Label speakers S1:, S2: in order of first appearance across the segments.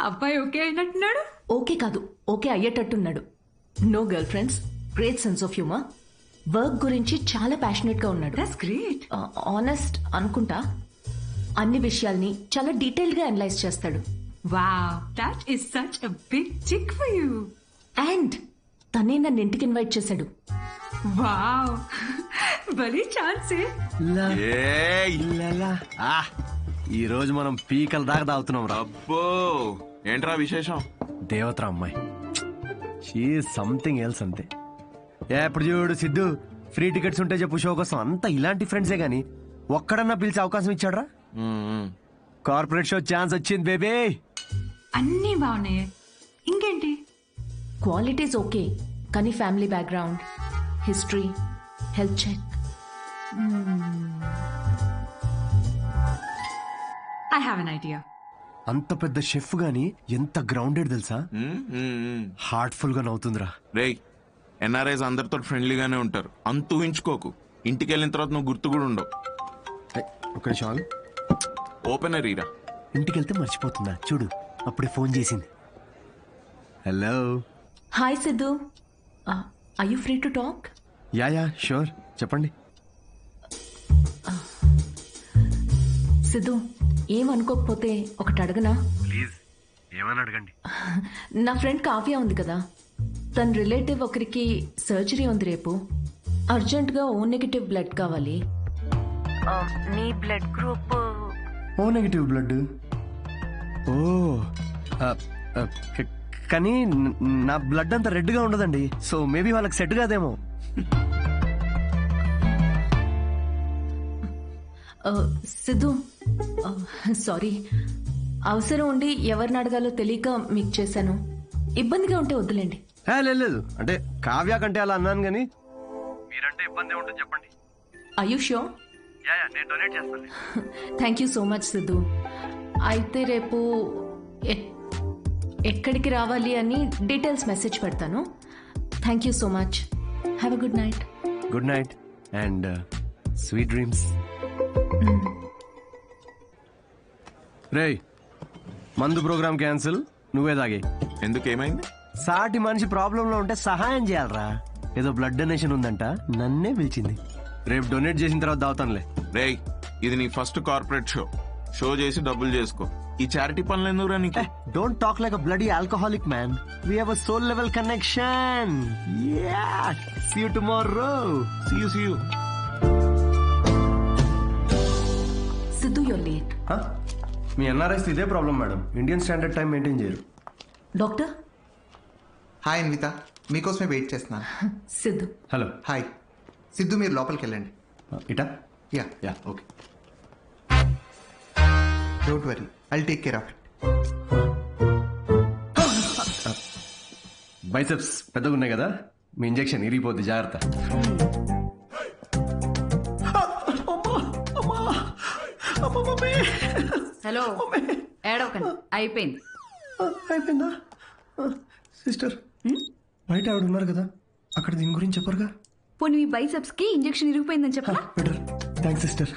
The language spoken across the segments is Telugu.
S1: అబ్బాయి ఓకే అయినట్టున్నాడు.
S2: ఓకే కాదు, ఓకే అయ్యేటట్టున్నాడు. No girlfriends, great sense of humour, work గురించి చాలా ప్యాషనెట్ గా ఉన్నాడు.
S1: That's great.
S2: ఆనెస్ట్ అనుకుంటా, అన్ని విషయాల్ని చాలా డీటెయిల్ గా అనలైజ్ చేస్తాడు.
S1: Wow, that is such a big chick for you.
S2: And తనే నన్ను ఇంటికి ఇన్వైట్ చేశాడు.
S1: వావ్, భలే ఛాన్సే.
S3: ఈ రోజు మనం పీకల దాకా తాగుతున్నాం రా.
S4: అబ్బో, ఏంట్రా విశేషం?
S3: దేవతరా అమ్మాయి, షీ సంథింగ్ ఎల్స్ అంతే. ఎప్పుడు చూడు సిద్ధు, ఫ్రీ టికెట్స్ ఉంటే చెప్పు షో కోసం. అంతా ఇలాంటి ఫ్రెండ్సే గానీ ఒక్కడన్నా పిలిచే అవకాశం ఇచ్చాడ్రా? కార్పొరేట్ షో ఛాన్స్ వచ్చింది బేబీ.
S1: అన్నీ బాగున్నాయి, ఇంకేంటి?
S2: క్వాలిటీస్ ఓకే, కానీ family background, history, health check.
S1: I have an idea.
S3: అంత పెద్ద షెఫ్ గాని ఎంత గ్రౌండెడ్ తెలుసా? హార్ట్ఫుల్ గా నవ్వుతుందిరా.
S4: రేయ్, ఎన్ఆర్ఐస్ అందరితో ఫ్రెండ్లీగానే ఉంటారు, అంత ఊహించుకోకు. ఇంటికి వెళ్ళిన తర్వాత నువ్వు గుర్తు కూడా ఉండవు.
S3: ఒక నిమిషం,
S4: ఓపెనర్ ఈరా.
S3: ఇంటికి వెళ్తే మర్చిపోతుందా చూడు, అప్పుడే ఫోన్ చేసింది. Hello.
S2: Hi Siddhu, are you free to talk?
S3: Yeah sure, చెప్పండి.
S2: సిద్ధు, ఏమనుకోకపోతే ఒకటి అడగనా?
S3: ప్లీజ్, ఏమని అడగండి.
S2: నా ఫ్రెండ్ కావ్య ఉంది కదా, తన రిలేటివ్ ఒకరికి సర్జరీ ఉంది రేపు. అర్జెంట్గా ఓ నెగిటివ్ బ్లడ్ కావాలి. నీ blood group
S3: O negative blood. ఓ కానీ నా బ్లడ్ అంత రెడ్ గా ఉండదండి, సో మేబీ వాళ్ళకి సెట్ కాదేమో.
S2: సిద్ధు, సారీ, అవసరం ఉండి ఎవరిని అడగాలో తెలియక మీకు చేశాను. ఇబ్బందిగా ఉంటే వద్దులేండి.
S3: లేదు, అంటే కావ్య కంటే అలా అన్నాను కానీ మీరంటే ఇబ్బంది ఉంటుంది చెప్పండి.
S2: Are you sure?
S3: నేను డొనేట్ చేస్తాను.
S2: Thank you so much Siddhu. అయితే రేపు ఎక్కడికి రావాలి అని డీటెయిల్స్ మెసేజ్ పెడతాను. Thank you so much. Have a good night.
S3: Good night and sweet dreams. రేయ్, మందు ప్రోగ్రామ్ క్యాన్సిల్, నువ్వే తాగే.
S4: ఎందుకు, ఏమైంది?
S3: సాటి మనిషి ప్రాబ్లంలో ఉంటే సహాయం చేయాలరా. ఏదో బ్లడ్ డొనేషన్ ఉందంట, నన్నే పిలిచింది. రేపు డొనేట్ చేసిన తర్వాత దావుతానులే.
S4: రేయ్, ఇది నీ ఫస్ట్ కార్పొరేట్ షో. షో చేసి డబ్బులు చేసుకో. ఈ చారిటీ పనులు ఎందుకురా నీకు?
S3: Don't talk like a bloody alcoholic man. We have a soul level connection. See you tomorrow.
S4: See you.
S2: Siddhu, you're late.
S3: మీ ఎన్ఆర్ఐస్ ఇదే problem madam, Indian standard time maintain చేయరు.
S2: డాక్టర్.
S5: హాయ్ అన్విత, మీకోసమే వెయిట్ చేస్తున్నాను.
S2: సిద్ధు.
S3: హలో.
S5: హాయ్ సిద్ధు, మీరు లోపలికి వెళ్ళండి.
S3: ఇటా?
S5: Yeah
S3: okay.
S5: Don't worry, I'll take care of it.
S3: Biceps పెద్దగా ఉన్నాయి కదా, మీ ఇంజెక్షన్ ఇరిగిపోద్ది, జాగ్రత్త.
S1: హలో, ఏడవకండి, అయిపోయింది.
S3: అయిపోయిందా? సిస్టర్, బయట ఆవిడ ఉన్నారు కదా, అక్కడ దీని గురించి చెప్పరుగా?
S1: పోనీ మీ బైసెప్స్ కి ఇంజెక్షన్ ఇరిగిపోయిందని చెప్పరా?
S3: బెటర్. Thanks sister.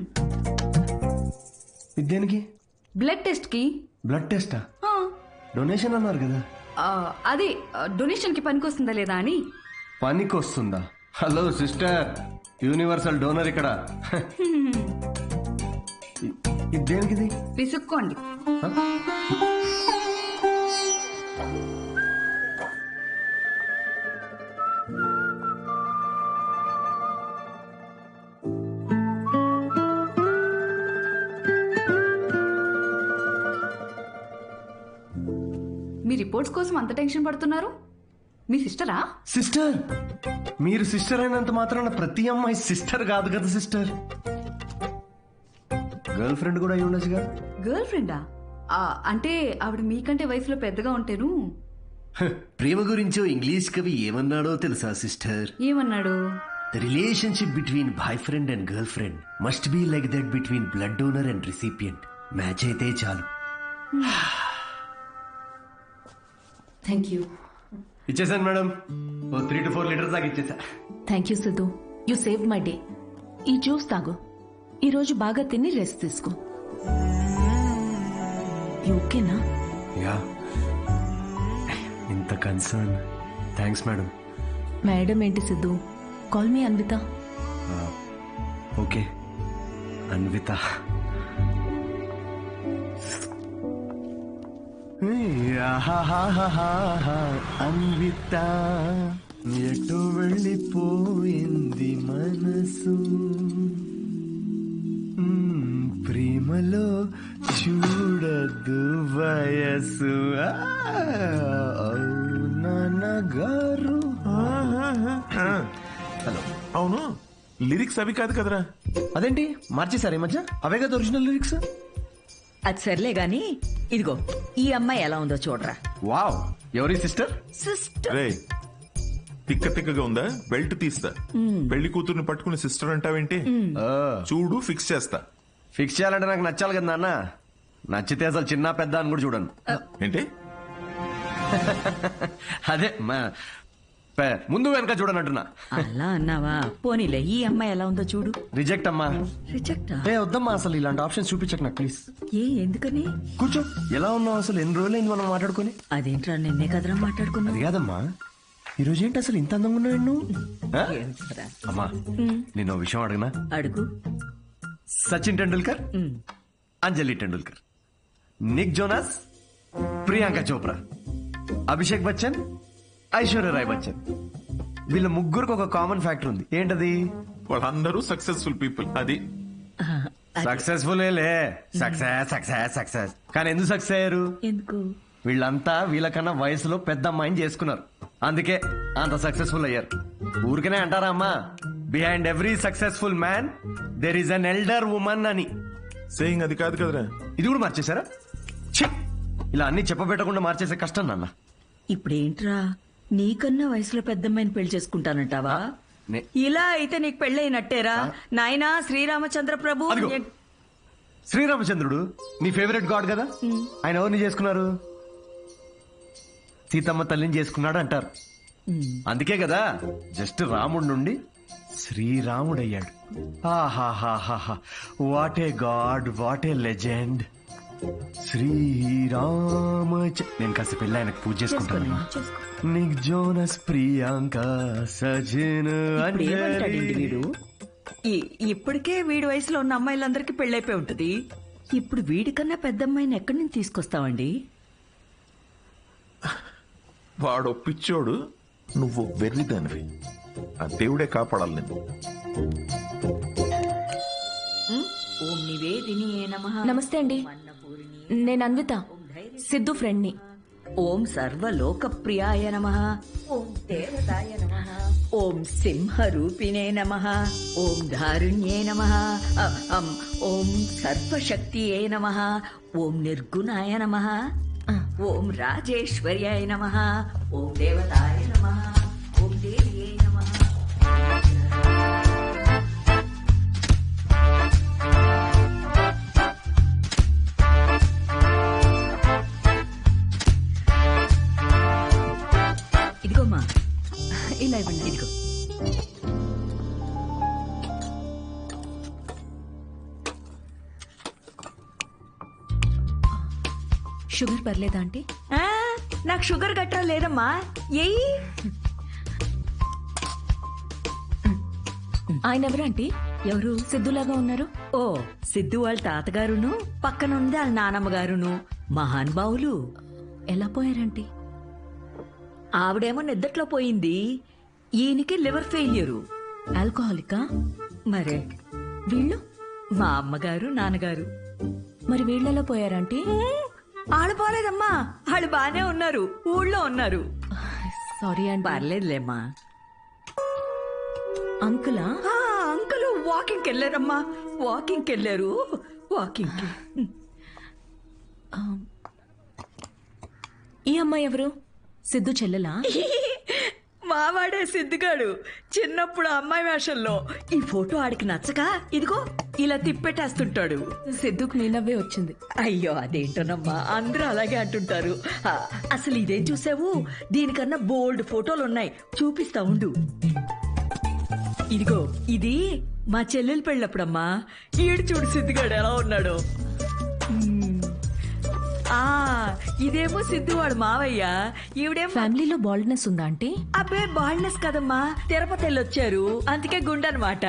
S3: దేనికి?
S1: బ్లడ్ టెస్ట్ కి.
S3: బ్లడ్ టెస్టా? డొనేషన్ అన్నారు కదా.
S1: అదే డొనేషన్ కి పనికొస్తుందా లేదా అని.
S3: పనికొస్తుందా? హలో సిస్టర్, యూనివర్సల్ డోనర్ ఇక్కడ. దేనికిది?
S1: విసుక్కోండి. మీ రిపోర్ట్స్ కోసం అంత టెన్షన్ పడుతున్నారు? మీ సిస్టరా?
S3: సిస్టర్? మీరు సిస్టర్ అయినంత మాత్రాన ప్రతి అమ్మాయి సిస్టర్ కాదు కదా సిస్టర్. గర్ల్ ఫ్రెండ్ కూడా అయి ఉండొచ్చుగా.
S1: గర్ల్ ఫ్రెండా? అంటే ఆవిడ మీకంటే వయసులో పెద్దగా ఉంటేను.
S3: ప్రేమ గురించో ఇంగ్లీష్ కవి ఏమన్నాడో తెలుసా సిస్టర్?
S1: ఏమన్నాడు?
S3: The relationship between boyfriend and girlfriend must be like that between blood donor and recipient. Match అయితే చాలు.
S2: Thank you.
S3: ఇచ్చేసాను మేడం, 3 to 4 లీటర్స్ దాకా ఇచ్చేసా.
S2: Thank you Siddhu, you save my day. ఈ జ్యూస్ తాగు, ఈరోజు బాగా తిని రెస్ట్ తీసుకో. ఓకేనా?
S3: యా ఇంత కన్సర్న్ థ్యాంక్స్ మేడం.
S2: మేడం ఏంటి Siddhu, call me Anvitha.
S3: Okay Anvitha. Anvitha ఎటు వెళ్ళిపోయింది మనసు, ప్రేమలో చూడదు వయసు. నాన్నగారు. హలో.
S6: అవును, లిరిక్స్ అవి కాదు కదరా.
S3: అదేంటి మార్చేశారు ఈ మధ్య? అవే కదా ఒరిజినల్ లిరిక్స్.
S7: అది సర్లే గాని ఇదిగో ఈ అమ్మాయి ఎలా ఉందో చూడరా.
S3: వావ్, ఎవరి సిస్టర్?
S7: సిస్టర్
S6: రే తిక్క తిక్కగా ఉందా? బెల్ట్ తీస్తా. పెళ్లి కూతుర్ని పట్టుకుని సిస్టర్ అంటావేంటి? చూడు ఫిక్స్ చేస్తా.
S3: ఫిక్స్ చేయాలంటే నాకు నచ్చాలి కదా నాన్న. నచ్చితే అసలు చిన్న పెద్ద అని కూడా చూడను.
S6: ఏంటి?
S3: అదే ముందు వెనక చూడనంటున్నా.
S7: అలా అన్నావా? పోనీలే, ఈ అమ్మాయి ఎలా ఉందో చూడు.
S3: రిజెక్ట్ అమ్మా.
S7: రిజెక్టా?
S3: వద్దమ్మా, అసలు ఇలాంటి ఆప్షన్స్ చూపించకు నాకు ప్లీజ్.
S7: ఎందుకని?
S3: కూర్చో. ఎలా ఉన్నావు అసలు? ఎన్ని రోజులైంది మనం మాట్లాడుకొని?
S7: అదేంట్రా, నిన్నే కదరా మాట్లాడుకున్నా.
S3: అది కాదమ్మా, ఈ రోజు ఏంటి అసలు ఇంత అందంగా ఉన్నావు నువ్వు? ఆ?
S7: ఏంట్రా?
S3: అమ్మా నేను విషయం అడగనా?
S7: అడుగు.
S3: సచిన్ టెండూల్కర్, అంజలి టెండూల్కర్, నిక్ జోనాస్, ప్రియాంక చోప్రా, అభిషేక్ బచ్చన్, ఐశ్వర్య రాయ్ బచ్చన్, వీళ్ళ ముగ్గురికి ఒక కామన్ ఫ్యాక్టర్ ఉంది. ఏంటది?
S6: వాళ్ళందరూ సక్సెస్ఫుల్ పీపుల్. అది
S3: సక్సెస్ఫుల్. Success success success. కానీ ఎందుకు సక్సెస్ అయ్యారు?
S7: ఎందుకు?
S3: వీళ్ళంతా వీళ్ళకన్నా వయసులో పెద్ద అమ్మాయిని చేసుకున్నారు, అందుకే అంత సక్సెస్ఫుల్ అయ్యారు. ఊరికనే అంటారా అమ్మా, behind every successful man there is an elder woman అని.
S6: సేయింగ్ అది కాదు కదరా.
S3: ఇది కూడా మార్చేశారా? ఛీ! ఇలా అన్ని చెప్పబెట్టకుండా మార్చేసే కష్టం నాన్న.
S7: ఇప్పుడేంట్రా, నీకన్నా వయసులో పెద్దమ్మాయిని పెళ్లి చేసుకుంటానంటావా?
S3: నే-
S7: ఇలా అయితే నీకు పెళ్ళైనట్టేరా నాయనా. శ్రీరామచంద్ర ప్రభు.
S3: అదిగో. శ్రీరామచంద్రుడు నీ ఫేవరెట్ గాడ్ కదా, ఆయన ఎవరిని చేసుకున్నారు? సీతమ్మ తల్లిని చేసుకున్నాడు అంటారు. అందుకే కదా జస్ట్ రాముడి నుండి శ్రీరాముడయ్యాడు. ఆహాహాహా, what a god, what a legend. Srirama. నేను కాస్త పెళ్ళి ఆయనకు పూజ చేసుకుంటాను. నిక్ జోనస్, ప్రియాంక, సజిన్,
S7: ఏమంటాడండి
S3: అంజలి.
S7: వీడు? ఇప్పటికే వీడి వయసులో ఉన్న అమ్మాయిలందరికీ పెళ్ళైపోయి ఉంటది. ఇప్పుడు వీడికన్నా పెద్ద అమ్మాయిని ఎక్కడి నుంచి తీసుకొస్తావండి?
S6: వాడు పిచ్చోడు, నువ్వు వెర్రిదానివి. ఆ దేవుడే కాపాడాలి నేను.
S7: ఓం నివేదినియే నమః.
S2: నమస్తే అండి, నేను అన్విత, సిద్ధు ఫ్రెండ్ని.
S7: ఓం సర్వలోకప్రియాయ నమః. ఓం దేవతాయ నమః. ఓం సింహరూపిణే నమః. ఓం ధారుణ్యే నమః. ఓం సర్వశక్తియే నమః. ఓం నిర్గుణాయ నమః. ఓం రాజేశ్వర్యాయ నమః. ఓం దేవతాయ నమః. ఓం దేవ్యే నమః. ఇదిగోమ్మా,
S2: ఇలా ఇవ్వండి.
S7: ఇదిగో.
S2: షుగర్ పర్లేదా ఆంటీ?
S7: ఆ, నాకు షుగర్ గట్రా లేదమ్మా. ఎయ్యి.
S2: ఆయన ఎవరు ఆంటీ?
S7: ఎవరు?
S2: సిద్ధులాగా ఉన్నారు.
S7: ఓ, సిద్ధు వాళ్ళ తాతగారును, పక్కనుంది వాళ్ళ నానమ్మగారును. మహానుభావులు.
S2: ఎలా పోయారంటీ?
S7: ఆవిడేమో నిద్దట్లో పోయింది, ఈయనకి లివర్ ఫెయిల్యూరు.
S2: ఆల్కహాలికా?
S7: మరే
S2: వీళ్ళు?
S7: మా అమ్మగారు నాన్నగారు.
S2: మరి వీళ్ళెలా పోయారంటీ?
S7: ఆళ్ళు పోలేదమ్మా, వాళ్ళు బానే ఉన్నారు, ఊళ్ళో ఉన్నారు.
S2: సారీ అండి.
S7: పర్లేదులేమ్మా.
S2: అంకులా?
S7: ఆ, అంకుల్ వాకింగ్కి వెళ్ళారమ్మా, వాకింగ్కి వెళ్ళారు. వాకింగ్కి.
S2: ఈ అమ్మాయి ఎవరు? సిద్ధు చెల్లెలా?
S7: మావాడే సిద్ధిగాడు, చిన్నప్పుడు అమ్మాయి వేషంలో. ఈ ఫోటో ఆడికి నచ్చక ఇదిగో ఇలా తిప్పెట్టేస్తుంటాడు.
S2: సిద్ధుకు మీనవ్వే వచ్చింది.
S7: అయ్యో అదేంటోనమ్మా, అందరూ అలాగే అంటుంటారు. అసలు ఇదేం చూసావు? దీనికన్నా బోల్డ్ ఫోటోలు ఉన్నాయి, చూపిస్తా ఉండు. ఇదిగో ఇది మా చెల్లెలు పెళ్ళప్పుడమ్మా. ఈడు చూడు సిద్ధిగాడు ఎలా ఉన్నాడు. ఆ ఇదేమో సిద్ధు వాడు మావయ్య, ఈవిడేమో
S2: ఫ్యామిలీలో బాల్డ్నెస్ ఉందా ఆంటీ?
S7: అబ్బే బాల్నెస్ కదమ్మా, తిరుపతి వెళ్ళొచ్చారు అందుకే గుండనమాట.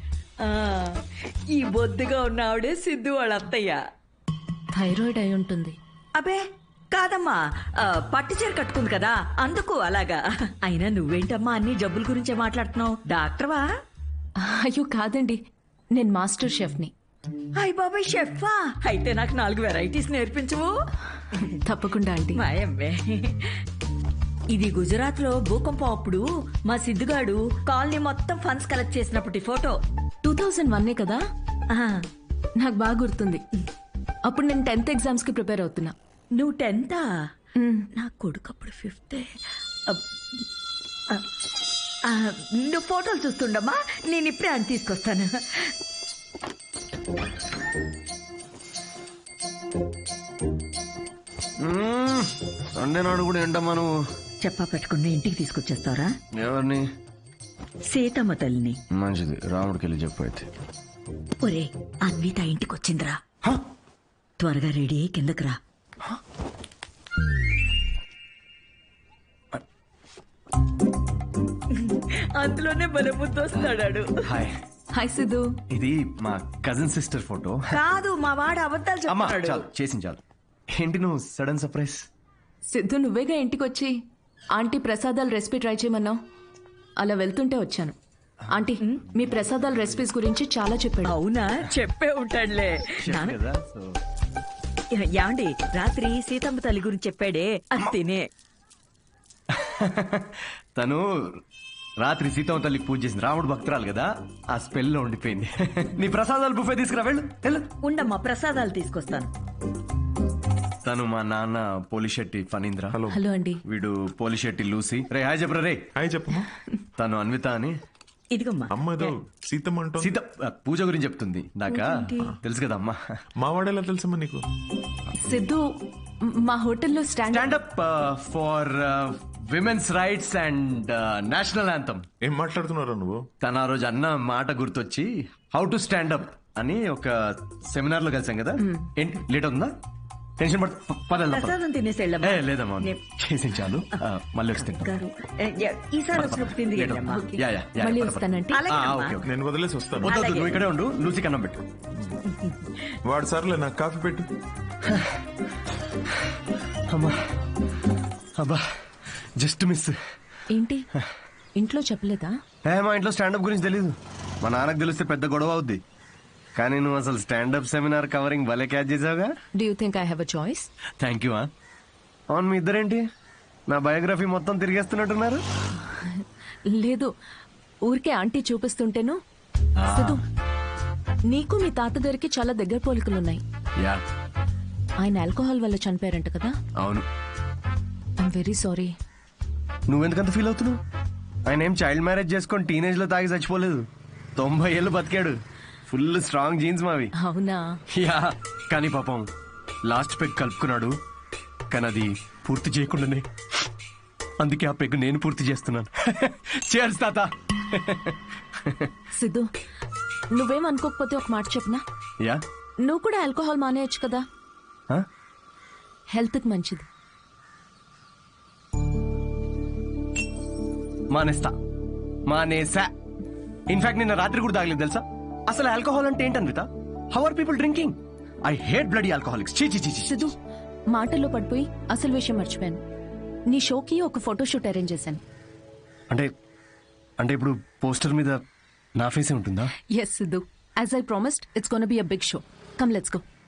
S7: ఈ బొద్దుగా ఉన్న ఆవిడే సిద్ధు వాళ్ళ అత్తయ్య.
S2: థైరాయిడ్ అయి ఉంటుంది.
S7: అబే కాదమ్మా, పట్టు చీర కట్టుకుంది కదా అందుకు అలాగా. అయినా నువ్వేంటమ్మా అన్ని జబ్బుల గురించే మాట్లాడుతున్నావు, డాక్టర్వా?
S2: అయ్యో కాదండి, నేను మాస్టర్ షెఫ్ని.
S7: అయ్య బాబాయ్ షెఫా, అయితే నాకు 4 వెరైటీస్ నేర్పించవు.
S2: తప్పకుండా ఆంటీ.
S7: మాయమ్మే. ఇది గుజరాత్ లో భూకంపం అప్పుడు మా సిద్ధుగాడు కాలనీ మొత్తం ఫండ్స్ కలెక్ట్ చేసినప్పటి ఫోటో.
S2: 2001 కదా?
S7: ఆ,
S2: నాకు బాగా గుర్తుంది. అప్పుడు నేను 10th ఎగ్జామ్స్ కి ప్రిపేర్ అవుతున్నా.
S7: నువ్వు 10th?
S2: మ్,
S7: నా కొడుకు అప్పుడు 5th. నువ్వు ఫోటోలు చూస్తుండమ్మా, నేను ఇప్పుడే అని తీసుకొస్తాను.
S3: సండే నాడు కూడా ఏంటమ్మా నువ్వు?
S7: చెప్పా పెట్టుకుని ఇంటికి తీసుకొచ్చేస్తారా?
S3: ఎవరిని?
S7: సీతమ్మ తల్లిని.
S3: మంచిది, రాముడికి వెళ్ళి చెప్పు అయితే.
S7: ఒరే అన్విత ఇంటికి వచ్చిందిరా, త్వరగా రెడీ అయ్యి కిందకి రా. అందులోనే బలబుద్ధి వస్తాడాడు.
S3: Hi,
S2: hi Siddhu.
S3: ఇది మా కజిన్ సిస్టర్ ఫోటో.
S7: కాదు మా వాడు అబద్ధాలు
S3: అమ్మా
S7: చెప్తాడు.
S3: చాలు, చేసింది చాలు. ఏంటి నువ్వు సడన్ సర్ప్రైజ్?
S2: సిద్ధు నువ్వేగా ఇంటికి వచ్చి ఆంటీ ప్రసాదాల రెసిపీ ట్రై చేయమన్నావు. అలా వెళ్తుంటే వచ్చాను. ఆంటీ మీ ప్రసాదాల రెసిపీస్ గురించి చాలా చెప్పాడు.
S7: అవునా, చెప్పే ఉంటాడులే.
S3: కదా, సో
S7: యాండి రాత్రి సీతమ్మ తల్లి గురించి చెప్పాడే, అది తినే.
S3: తను రాత్రి సీతమ్మ తల్లికి పూజ చేసింది, రాముడు భక్తురాలు కదా, ఆ స్పెల్ లో ఉండిపోయింది. నీ ప్రసాదాలు బుఫే తీసుకురా, వెళ్ళు వెళ్ళు.
S7: ఉండమ్మా ప్రసాదాలు తీసుకొస్తాను.
S3: తను మా నాన్న పోలిశెట్టి ఫణీంద్ర. హలో.
S2: హలో అండి.
S3: వీడు పోలిశెట్టి లూసి. రే హాయ్ చెప్పరా రే.
S6: హాయ్ చెప్పమ్మా.
S3: తను అన్విత అని.
S7: ఇదిగమ్మా.
S6: అమ్మ ఏదో సీతమ్మ అంటో.
S3: సీత పూజ గురించి చెప్తుంది. నాకా తెలుసు కదా అమ్మా.
S6: మా వాడేలా తెలుసమ్మా నీకు?
S2: సిద్ధు మా హోటల్లో
S3: stand up for women's rights and national anthem.
S6: ఏం మాట్లాడుతున్నారా నువ్వు?
S3: తన ఆ రోజు అన్న మాట గుర్తొచ్చి హౌ టు స్టాండప్ అని ఒక సెమినార్ లో కలిసాం కదా. ఏంటి లేట్ అవుతుందా? టెన్షన్ పడదు.
S7: ప్రసాదం తినేసి వెళ్ళమ్మా.
S3: లేదమ్మా, చేసింది చాలు. మళ్ళీ వచ్చి తింటాం.
S7: గారు, ఈసారి వచ్చినప్పుడు తింది వెళ్ళమ్మా.
S3: యా, యా, యా,
S2: మళ్ళీ
S3: పద, పద.
S2: వస్తానంటే.
S7: అలాగేనమ్మా.
S3: Okay, okay.
S6: నేను వదిలేసి వస్తాను.
S3: వద్దు, వద్దు, నువ్వు ఇక్కడే ఉండు. లూసి కన్నం పెట్టు.
S6: వాడు సర్లే, నాకు కాఫీ పెట్టు.
S3: అమ్మా, అబ్బా, జస్ట్ మిస్.
S2: ఏంటి ఇంట్లో చెప్పలేదా?
S3: మా ఇంట్లో స్టాండప్ గురించి తెలీదు. మా నాన్నకు తెలిస్తే పెద్ద గొడవ అవుద్ది. కానీ నువ్వు అసలు స్టాండప్ సెమినార్ కవరింగ్ భలే క్యాచ్ చేసావుగా.
S2: Do you think I have a choice?
S3: Thank you. అవును, మీ ఇద్దరేంటి నా బయోగ్రఫీ మొత్తం తిరిగేస్తున్నట్టున్నారు?
S2: లేదు, ఊరికే ఆంటీ చూపిస్తుంటేను. సిద్ధు నీకు మీ తాతగారికి చాలా దగ్గర పోలికలున్నాయి.
S3: యా,
S2: ఆయన ఆల్కహాల్ వల్ల చనిపోయారంట కదా?
S3: అవును.
S2: I'm very sorry.
S3: నువ్వెందుకంత ఫీల్ అవుతున్నావు? ఆయన ఏం చైల్డ్ మ్యారేజ్ చేసుకొని టీనేజ్ లో తాగి చచ్చిపోలేదు. 90 ఏళ్ళు బతికాడు. ఫుల్ స్ట్రాంగ్ జీన్స్ మావి.
S2: అవునా?
S3: యా, కానీ పాపం లాస్ట్ పెగ్ కలుపుకున్నాడు. కానీ అది పూర్తి చేయకుండానే, అందుకే ఆ పెగ్ నేను పూర్తి చేస్తున్నాను. చేర్స్ తాత.
S2: సిద్ధు నువ్వేం అనుకోకపోతే ఒక మాట చెప్పనా?
S3: యా.
S2: నువ్వు కూడా ఆల్కహాల్ మానేయచ్చు కదా, హెల్త్ కి మంచిది.
S3: మానేసా. ఇన్ఫాక్ట్ నిన్న రాత్రి కూడా తాగలేదు తెలుసా. అసలు ఆల్కహాల్ అంటే ఏంటన్విత? How are people drinking? I hate bloody alcoholics. చీ చీ చీ.
S2: సిద్ధు మాటల్లో పడిపోయి అసలు విషయం మర్చిపోయాను. నీ షోకి ఒక ఫోటోషూట్ అరేంజ్ చేశాను.
S3: అంటే అంటే ఇప్పుడు పోస్టర్ మీద నా ఫేసే ఉంటుందా?
S2: Yes Siddhu, as I promised it's gonna be a big show. Come let's go.